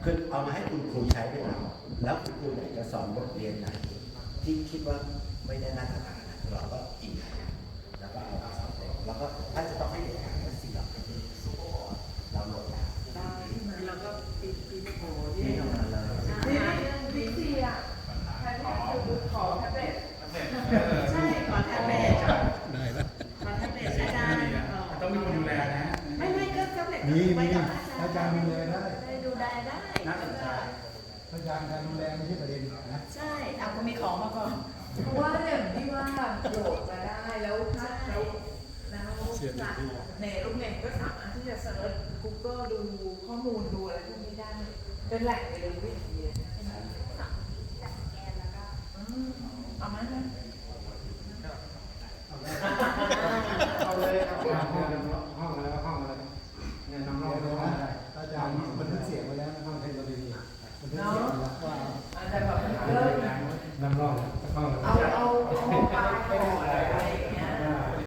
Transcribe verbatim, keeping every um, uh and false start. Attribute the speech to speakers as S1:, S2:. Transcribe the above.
S1: คือเอามาให้คุณครูใช้เป็นหลักแล้วคุณครูอยากจะสอนบทเรียนไหนที่คิดว่าไม่ได้มาตรฐานนะเราก็อิงแล้วก็เอามาสอนเด็กแล้วก็ถ้าจะต้องให้เด็กอ่านก็สิ่งเหล่านี้เราโหลดได้
S2: ได้แล้วก็ปีปีโอ้ที่
S1: ที่ทำงานเลย
S2: นี่วิธีอ่ะแทนที่จะขอแท็บเล็ตใช่ขอแท็บเล็ต
S3: ได้แล้ว
S2: ขอแท็บเล็ตอาจารย์
S4: ต้องมีคนดูแลนะ
S2: ไม่ไม่ก็แท็บเล็ต
S3: มีมีอาจารย์ดูแลได้
S2: ได้ดูได้ได้
S4: น่าสนใจ
S3: อาจารย์การดูแลไม่ใช่ประเด็นนะ
S2: ใช่เอาก็มีของมาก่อน
S5: เพราะว่าอย่างที่ว่าโหลดมาได้แล้วถ้าแล้วแล้วในลูกเน็ตก็สามารถที่จะเซิร์ช Google ดูข้อมูลดูอะไรพวกนี้ได้เป็นแหล่งเรียนรู้อย่างเดียวเอามานะ
S3: เอาเลยเอาห้องห้องอะไรห้องอะไรเนี่ยน้องๆเลยนะอาจารย์บันทึกเสียงไว้แล้วห้องเทคโนโลยีบันทึกเสียงแล้วว่า
S5: อาจจะแบบเออ
S3: น้ำร้อนห้อง
S5: เอาเอา